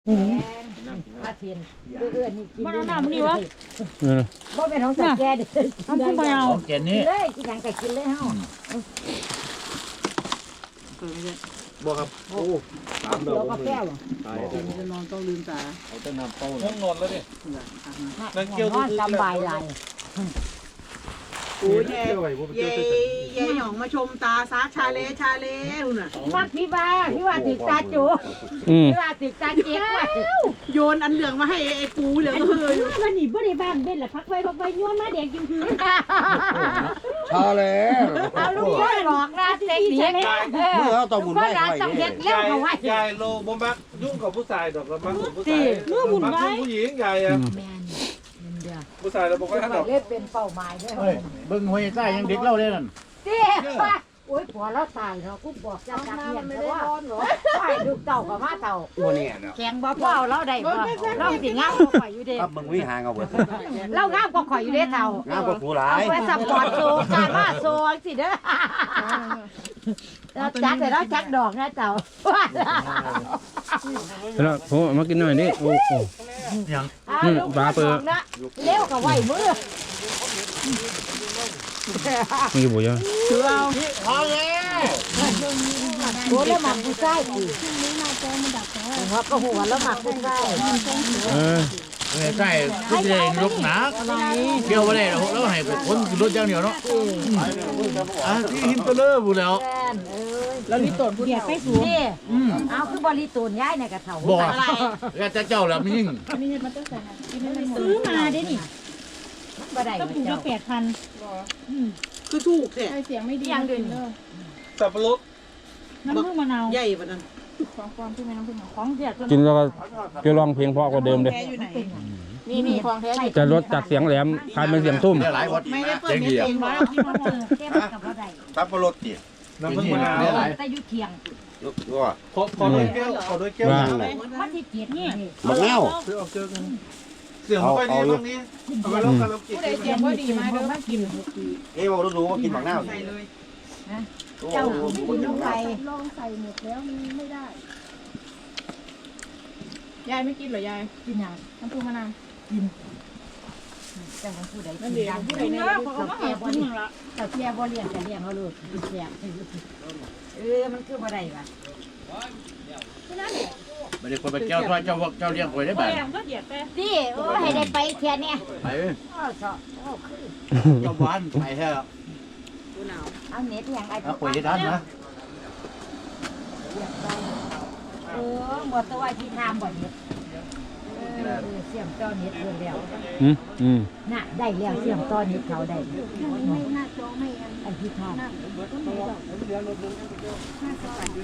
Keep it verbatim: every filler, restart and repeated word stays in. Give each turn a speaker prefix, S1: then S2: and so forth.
S1: อาเทียนเอื้อนนี่กิน
S2: มันเอาน้ำนี่วะ
S3: เออ
S1: บ่เป็นของสัตว์แก่เด้อ
S2: ทำขึ้นไปเอา
S4: ของเจนนี่
S1: เลยกินหยังก็กินเลยเฮา
S4: บ่ครับโอ้ตาม
S1: เดี๋
S4: เรา
S1: ยวกาแฟบ่
S4: ตาย
S2: จะนอนต้องลืมตา
S4: เอาแต่น้ำเป้า
S5: ห้องนอนแล้วเนี่ย
S1: นั่งเกี่ยวสบายหลาย
S2: โอ้ยแย่แย่แย่หยองมาชมตาซาชาเลชาเลนู่นน่ะ
S1: มักพี่ว่าพี่ว่าติดตาจู
S3: อืม
S1: พี่ว่าติดตาเจ๊กไว้
S2: โยนอันเหลืองมาให้ไอ้ปูเหลืองเฮ้ย
S1: มันนี่บ่ได้บ้านเบ็ดล่ะพักไว้พักไว้ย้อนมาแดงจริงๆ
S4: ชาแล้ว
S1: เอาลูกพ่อหลอกนะเด็กเด็กเออ
S4: เมื่อเขาต้องบุญ
S1: พ่อ
S4: ไว้
S1: หลาน
S4: ไว้
S1: ต้องเฮ็ด
S4: เนี่ย
S1: แล้วเขาไว้
S5: ยายโลบ่มักยุ่งกับผู้ชายดอกละมักกับผู้ชายมักผู้หญิงใหญ่อะ
S1: แม่นเด้อ
S5: ผู้ชายเราบอกว่าดอก
S1: เล่นเป็นเป้าหมายเด้อ
S4: เฮ้ยเบิ่งห้วยใต้ยังเด็กเล่าเลยนั่น
S1: เด้อโอ้ยผัวเราตายเนาะกูบอกเจ้าจักเรียนแต่ว่าใช่ลูกเต่ากับมาเต่า
S4: ตัวนี้เนาะ
S1: แข็งบ่พอเราได้บ่เราสิงามกว่าข่อยอยู่เด้
S4: ครับมึงวิหางเอาเบิด
S1: เรางามกว่าข่อยอยู่เด้เต่าง
S4: ามกว่าผู้หลา
S1: เอา
S4: ย
S1: ไว้ซัพพอร์ตโซการมาโซสิเด้อเราจัดแต่เราจัดดอกนะเต่า
S3: แล้วผมเอามากินหน่อยนี่โอ้โห
S4: ยัง
S3: อืมปลาเปิด
S1: เร็วกับไหวมือ
S3: มันกี่บุ๋ยอ่ะ
S2: ถือเอา
S4: พอแล้ว
S1: โอ้แล้วหมักผู้ชายอีกหัวก็หัวแล้วหมักผู้ชาย
S3: เออ
S4: ห้วยใต้ก็จะได้ลุกหนักเกี่ยวบ่ได้แล้วแล้วให้คนรถอย่างเดียวเนาะอ่ะที่หินตะเลอบุแล้ว
S1: แฟนเอ้ย
S2: แล้วนี่ตดผู้ใหญ่ไปสูง
S1: นี่เอาคือบริตูนย้ายในกระเถา
S4: บ่แล้วจะเจ้าแล้วมียิ่ง
S2: ซื้อมาได้นี่
S1: บ่ได้
S2: กระปุกละ
S1: เจ้า
S2: แปดพันคือถูกเนี่ย
S6: เสียงไม่ดี
S1: ยังเดิน
S5: สับปะรด
S2: น้ำผึ้งมะนาวใหญ่ปะนั้น
S6: ของความที่ไม่น้ำผึ้ง
S1: ของเสียจน
S3: กินแล้วก็จะร้องเพลงเพราะกว่าเดิมเลย
S2: แท้อยู่ไหน
S6: นี่นี่ของแท้อยู่
S3: จะลดจากเสียงแหลมกลายเป็นเสียงทุ่ม
S4: หลายวัด
S2: ไม่ได้เปิดเน็ตเองวะ
S1: เก็บกับบ่ได้
S4: สับปะรดติ
S5: น้ำผึ้งมะนาว
S1: แต่อยู่เที่ยง
S4: ก็
S5: ขอขอด้วยแก้วขอด้วยแก้ว
S1: มันสิเกียดนี่
S4: บักแนว
S5: ซื้อเอาเจอกันเสียงไม่ค่อยดีตรงนี้เอาไปลองกันแล้วกิน
S6: ผู้ใดเสียงว่าดีมาเด้อ
S1: มากิน
S4: เอ้ยบอกรู้ว่ากินบักแนว
S2: ใส่เลย
S1: เจ้ากินลงไป
S6: ลองใส่หมดแล้วมันไม่ได้ ยายไม่กินเหรอยาย
S1: กินหยัง
S6: น้ำปูมะนาว
S1: แต่ของผู้ใด
S2: นั่น
S1: กิ
S2: เอน ง
S1: หยัง
S2: ผู้ใด
S1: กิน
S2: เนี่ย
S1: เนาะ
S2: เขา
S1: เขา
S2: มา
S1: แก่
S2: หา
S1: บ่
S2: คน
S1: เลี้
S2: นึ
S1: ยง
S2: งละ
S1: แต่แก่บ่เลี้ยงแต่เลี้ยงเขาลูกกินแซ่บเออมันคือบ่ได้ว่ะ
S4: ไม่ได้คนไปเจ้าเจ้าเจ้าเลี้ยงคอยได้แบบ
S2: แรงก็เหยียดไป
S1: ดิโอ้ให้ได้ไปเที่ยเนี่ย
S4: ไป
S1: อ้อเสาะโอ้คือ
S4: เจ้าบ้านไปแท้
S2: ตัวหนาว
S1: เอาเน็ตหยังไอ้
S4: เอาคอยได้ทันนะ
S1: เออบ่ตัวที่ทำบ่เน็ตเออเสียมต่อเน็ตเพิ่นแล้ว
S3: อืมอืม
S1: น่ะได้แล้วเสียมต่อเน็ตเขาได้
S6: ไม่น่าจองไม่อัน
S1: ไอ้ที่ทำ
S6: น่าต้นไหนดอก